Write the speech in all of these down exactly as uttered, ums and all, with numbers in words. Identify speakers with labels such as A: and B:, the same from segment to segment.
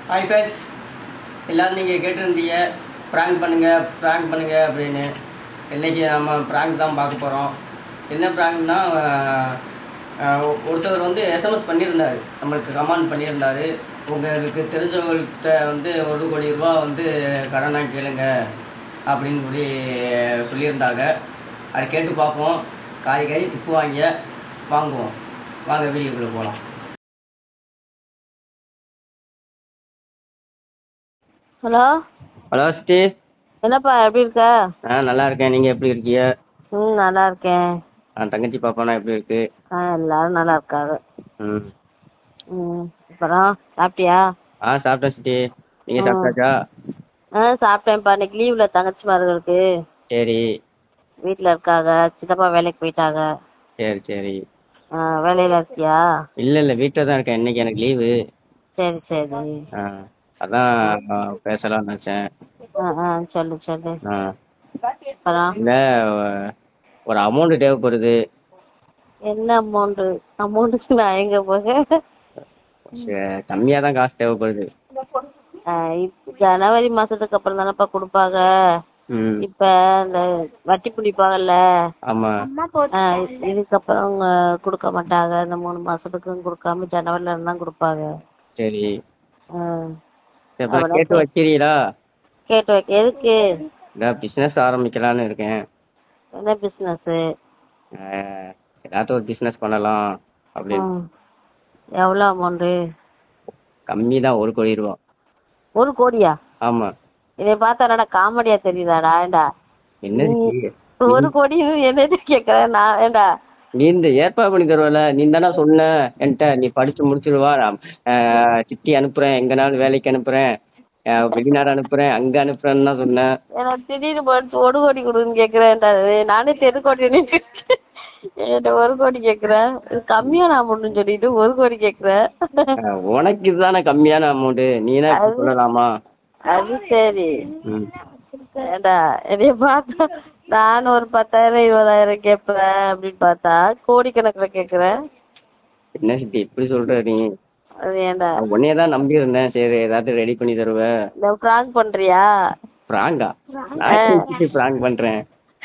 A: Hi friends, எல்லோரும் நீங்கள் கேட்டிருந்தீங்க ப்ராங்க் பண்ணுங்கள் ப்ராங்க் பண்ணுங்கள் அப்படின்னு. இன்றைக்கி நம்ம ப்ராங்க் தான் பார்க்க போகிறோம். என்ன ப்ராங்க்னா, ஒருத்தவர் வந்து எஸ்எம்எஸ் பண்ணியிருந்தார், நம்மளுக்கு கமெண்ட் பண்ணியிருந்தார். உங்களுக்கு தெரிஞ்சவங்கள்கிட்ட வந்து ஒரு கோடி ரூபா வந்து கடனாக கேளுங்க அப்படின்னு சொல்லி சொல்லியிருந்தாங்க. அதை கேட்டு பார்ப்போம். காய் காய் திப்புவாங்க, வாங்குவோம். வாங்க வீடியோக்குள்ளே போகலாம்.
B: ஹலோ
A: ஹலோ சிஸ்டி.
B: என்னப்பா எப்படி இருக்க?
A: ஆ நல்லா இருக்கேன். நீங்கள் எப்படி இருக்கீங்க?
B: ம் நல்லா இருக்கேன்.
A: ஆ தங்கச்சி பாப்பானா எப்படி இருக்கு?
B: ஆ எல்லாரும் நல்லா இருக்காங்க.
A: ம்
B: ம் அப்புறம் சாப்பிட்டியா?
A: ஆ சாப்பிட்டேன் சிஸ்டி. நீங்கள்
B: ம்
A: சாப்பிட்டாச்சா?
B: ஆ சாப்பிட்டேன்ப்பா. இன்னைக்கு லீவில் தங்கச்சி மார்களுக்கு
A: சரி
B: வீட்டில் இருக்காங்க. சித்தப்பா வேலைக்கு போயிட்டாங்க.
A: சரி சரி.
B: ஆ வேலையில் இருக்கியா?
A: இல்லை இல்லை, வீட்டில் தான் இருக்கேன். இன்னைக்கு எனக்கு லீவு.
B: சரி சரி.
A: ஆ அதான் பேசலாம்னு நினச்சேன்.
B: ஆ ஆ சொல்லு சொல்லு.
A: ஆ
B: அப்புறம்
A: இல்லை, ஒரு அமௌண்ட்டு தேவைப்படுது.
B: என்ன அமௌண்ட்டு? அமௌண்ட்டுக்கு நான் எங்கே போக?
A: கம்மியாக தான் காசு தேவைப்படுது.
B: இப்போ ஜனவரி மாதத்துக்கு அப்புறம் தானேப்பா கொடுப்பாங்க.
A: ம்
B: இப்ப இந்த வட்டி பிடிப்பாங்கல்ல,
A: ஆமாம்.
B: ஆ, இதுக்கப்புறம் அவங்க கொடுக்க மாட்டாங்க. இந்த மூணு மாசத்துக்கும் கொடுக்காம ஜனவரில இருந்து தான் கொடுப்பாங்க.
A: சரி
B: ஆ,
A: சரி, அப்புறம்
B: அவ்வளோ
A: கேட்டு
B: கே
A: வச்சிரீங்களா?
B: கேட்டு வைக்க எதுக்கு?
A: இல்லை, பிஸ்னஸ் ஆரம்பிக்கலான்னு இருக்கேன்.
B: என்ன பிஸ்னஸ்ஸு?
A: ஏதாச்சும் ஒரு பிஸ்னஸ் பண்ணலாம் அப்படின்னு.
B: ம் எவ்வளோ அமௌண்ட்டு?
A: கம்மி தான், ஒரு கோடி ரூபா.
B: ஒரு கோடியா?
A: ஆமாம்.
B: இதை பார்த்தா என்னடா காமெடியா தெரியுதாடா? ஏண்டா
A: என்ன
B: நீ
A: சித்தி?
B: ஒரு கோடி என்னது கேட்குறேன் நான்? ஏண்டா
A: நீ இந்த ஏற்பாடு பண்ணி தருவல, நீ தானே சொன்ன என்கிட்ட, நீ படிச்சு முடிச்சிருவா, நான் ஆஹ், சித்தி அனுப்புறேன், எங்கனாலும் வேலைக்கு அனுப்புறேன், ஆஹ், வெளிநாடு அனுப்புறேன், அங்க அனுப்புறேன்னு தான் சொன்னேன்.
B: எனக்கு திடீர்னு போட்டு ஒரு கோடி கொடுன்னு கேட்குறேன்டா. நானே தெரு கோடி என்கிட்ட ஒரு கோடி கேட்குறேன். கம்மியான அமௌண்ட்டுன்னு சொல்லிட்டு ஒரு கோடி கேட்குறேன்.
A: ஆஹ், உனக்கு இதுதானே கம்மியான அமௌண்ட்டு, நீனா இப்படி
B: அது
A: சொல்லலாமா?
B: அது சரி.
A: ம்
B: ஏண்டா என்னைய பார்த்தா நானும் ஒரு பத்தாயிரம் இருபதாயிரம் கேட்பேன் அப்படின்னு பார்த்தா கோடிக்கணக்கில் கேட்குறேன்.
A: என்ன சித்தி இப்படி சொல்ற நீ?
B: அது ஏண்டா
A: நான் உன்னையே தான் நம்பி இருந்தேன், சரி ஏதாச்சும் ரெடி பண்ணி தருவ.
B: இந்த ப்ராங்க் பண்ணுறியா?
A: ப்ராங்கா? நான் சித்தி ப்ராங்க் பண்றேன்?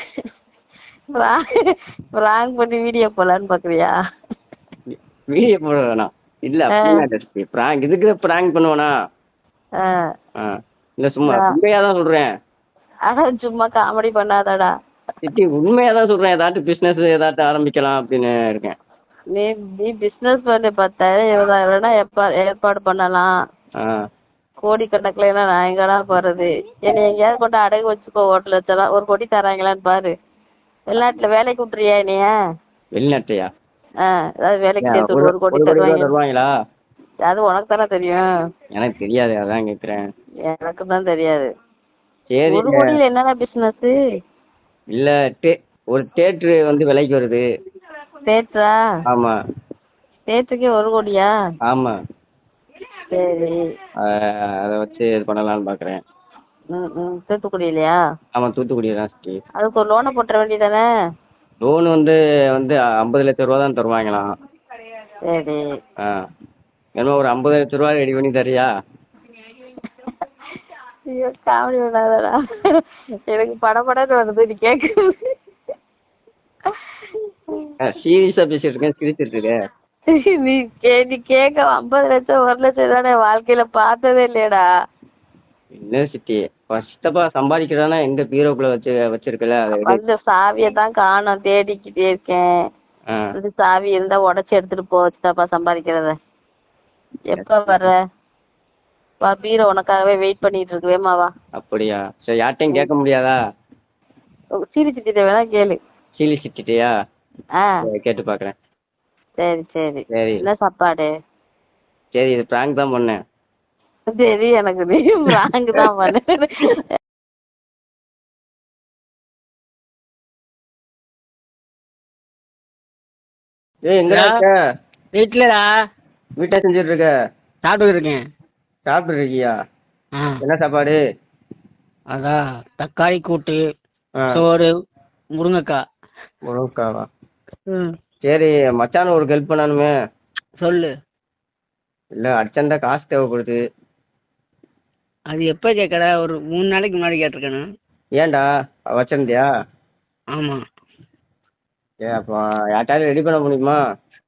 B: ப்ராங்க் பண்ணி வீடியோ போடலான்னு பார்க்குறியா?
A: வீடியோ போட வேணாம். இல்ல அப்படின்னா சித்தி, ப்ராங்க் இதுக்கு ப்ராங்க் பண்ணுவேனா?
B: ஆ
A: ஆ இல்ல, சும்மா உண்மையா தான் சொல்றேன்.
B: அதான் சும்மா காமெடி பண்ணாதடா.
A: சித்தி உண்மையா தான் சொல்றேன், ஏதாச்சும் பிசினஸ் ஏதாச்சும் ஆரம்பிக்கலாம் அப்படின்னு இருக்கேன்.
B: நீ நீ பிஸ்னஸ் பண்ணி பத்தாயிரம் இருபதாயிரம்னா எப்போ ஏற்பாடு பண்ணலாம்.
A: ஆ
B: கோடிக்கணக்கில் நான் எங்கடா போகிறது? என்னை எங்கேயாவது கொண்டு அடகு வச்சுக்கோ. ஹோட்டல் வச்சலாம் ஒரு கோடி தராங்களான்னு பாரு. வெளிநாட்டில் வேலைக்கு விட்றியா என்னைய?
A: வெளிநாட்டையா?
B: ஆ ஏதாவது வேலைக்கு
A: ஏன்,
B: சேர்த்து
A: ஒரு
B: விடு, ஒரு கோடி
A: ஒரு கோடி ரூபா
B: தருவாங்க.
A: தருவாங்களா?
B: அது உனக்கு தானே தெரியும்.
A: எனக்கு தெரியாது, அதான் கேட்குறேன்.
B: எனக்கு தான் தெரியாது.
A: சரி.
B: ஒரு கோடியில் என்னடா பிஸ்னஸ்ஸு?
A: இல்ல, டே ஒரு தேட்ரு வந்து விலைக்கு வருது.
B: தேட்டரா?
A: ஆமா
B: தேட்டருக்கே ஒரு கோடியா?
A: ஆமா.
B: சரி.
A: அதை வச்சு இது பண்ணலாம்னு பார்க்குறேன்.
B: ம் ம் தூத்துக்குடியிலையா?
A: ஆமாம், தூத்துக்குடி தான் சிட்டி.
B: அதுக்கு ஒரு லோனை போட்டுற வேண்டியதானே?
A: லோன் வந்து வந்து ஐம்பது லட்ச ரூபா தான் தருவாங்களாம்.
B: சரி.
A: ஆ வேணுமா ஒரு ஐம்பது லட்ச ரூபா ரெடி பண்ணி தரியா?
B: ஐயோ காமெடி பண்ணாதடா. எனக்கு படபடன்னு வருது நீ கேட்குறது.
A: சீரியஸாக பேசிட்டு இருக்கேன், சிரிச்சிட்டு இருக்கேன்.
B: நீ கே நீ கேட்க ஐம்பது லட்சம் ஒரு லட்சம் தானே வாழ்க்கையில பார்த்ததே இல்லையடா.
A: என்ன சிட்டி, சித்தப்பா சம்பாதிக்கிறானா எங்க பீரோக்குள்ள வச்சு வச்சிருக்கல, அதை எடு.
B: அந்த சாவியை தான் காணோம், தேடிக்கிட்டே இருக்கேன்.
A: ஆ
B: இந்த சாவி இருந்தா உடச்சி எடுத்துட்டு போ. சித்தப்பா சம்பாதிக்கிறத எப்போ வர்ற? வா, பீரோ உனக்காகவே வெயிட் பண்ணிட்டு இருக்கு. வேமாவா?
A: அப்படியா? சரி, யார்ட்டையும் கேட்க முடியாதா?
B: சீரி சிட்டிட்ட வேணா கேளு.
A: சீலி சிட்டியா?
B: ஆ
A: கேட்டு பார்க்குறேன்.
B: சரி சரி.
A: சரி
B: என்ன சாப்பாடு?
A: சரி, இது ப்ராங்க் தான் பண்ணேன்.
B: சரி, எனக்கு நீ பிராங்க் தான் பண்ணு.
A: ஏய், எங்கடா இருக்க?
C: வீட்டிலடா.
A: வீட்டை செஞ்சுட்டு இருக்க?
C: சாப்பிட்டு இருக்கேன்.
A: சாப்பிட்டு இருக்கியா?
C: ஆ
A: என்ன சாப்பாடு?
C: அதான் தக்காளி கூட்டு,
A: ஆ
C: சோறு, முருங்கைக்காய்.
A: முருங்கைக்காவா?
C: ம்
A: சரி, மச்சான் ஒரு ஹெல்ப் பண்ணணுமே.
C: சொல்லு.
A: இல்லை, அர்ஜென்ட்டாக காசு தேவைப்படுது.
C: அது எப்போ கேட்குற ஒரு மூணு நாளைக்கு முன்னாடி கேட்டிருக்கேண்ணா.
A: ஏன்டா வச்சிருந்தியா?
C: ஆமாம்.
A: ஏ அப்போ யார்ட்டாவது ரெடி பண்ண முடியுமா?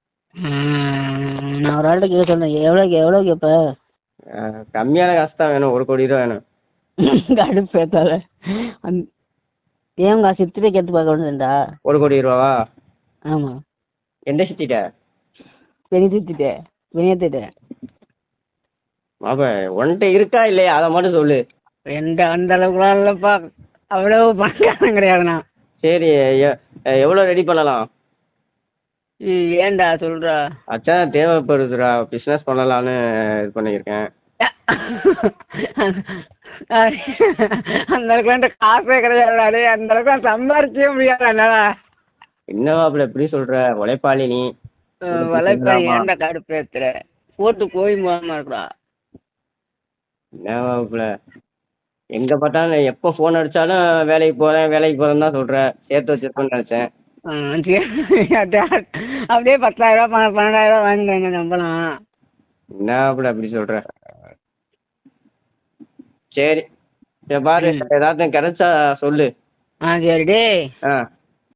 C: நான் ஒரு ஆள்கிட்ட கேட்க சொன்னேன். எவ்வளோக்கு எவ்வளோ கேட்ப?
A: அஹ், கம்மியான காசு தான் வேணும், ஒரு கோடி ரூபா வேணும்.
C: கடுப்பு ஏத்தாத. அந் ஏன் காசு சித்திரை கேட்டு பார்க்க வேண்டியதுண்டா?
A: ஒரு கோடி ரூபாவா?
C: ஆமாம்.
A: எந்த சிட்டிட்ட?
C: பெரிய சுத்திட்டேன் வினயத்திட்டேன்.
A: அப்ப உன்கிட்ட இருக்கா இல்லையா அதை மட்டும் சொல்லு.
C: எந்த அந்த அளவுக்குலாம் இல்லைப்பா, அவ்வளோ பணக்காரன் கிடையாதுண்ணா.
A: சரி, எ- எவ்வளோ ரெடி பண்ணலாம்?
C: ம், ஏன்டா சொல்கிறா?
A: அச்சான் தேவைப்படுதுடா, பிஸ்னஸ் பண்ணலான்னு இது பண்ணியிருக்கேன்.
C: அந்த அளவுக்கு என்கிட்ட காசே கிடையாது. அந்த அளவுக்கு நான் சம்பாரிக்கவே முடியாது என்னால்.
A: என்னவா அப்படி எப்படி சொல்ற? உழைப்பாளி நீ.
C: வலைப்பாய் ஏன்டா கடுப்பு ஏத்துற? போட்டு போய் போகாம இருக்கா?
A: என்னவா இப்ப எங்க பார்த்தாலும் எப்போ ஃபோன் அடிச்சாலும் வேலைக்கு போறேன் வேலைக்கு போறேன்னு தான் சொல்ற. சேர்த்து வச்சிருப்பேன்னு நினைச்சேன்.
C: ஆ, சரி. அப்படியே பத்தாயிரம் ரூபா பன்னெண்டாயிரம் ரூபா வாங்கிக்கிறேங்க சம்பளம்.
A: என்ன அப்படி அப்படி சொல்ற? சரி, சரி பாரு, ஏதாச்சும் கிடைச்சா சொல்லு.
C: ஆ சரி டேய்.
A: ஆ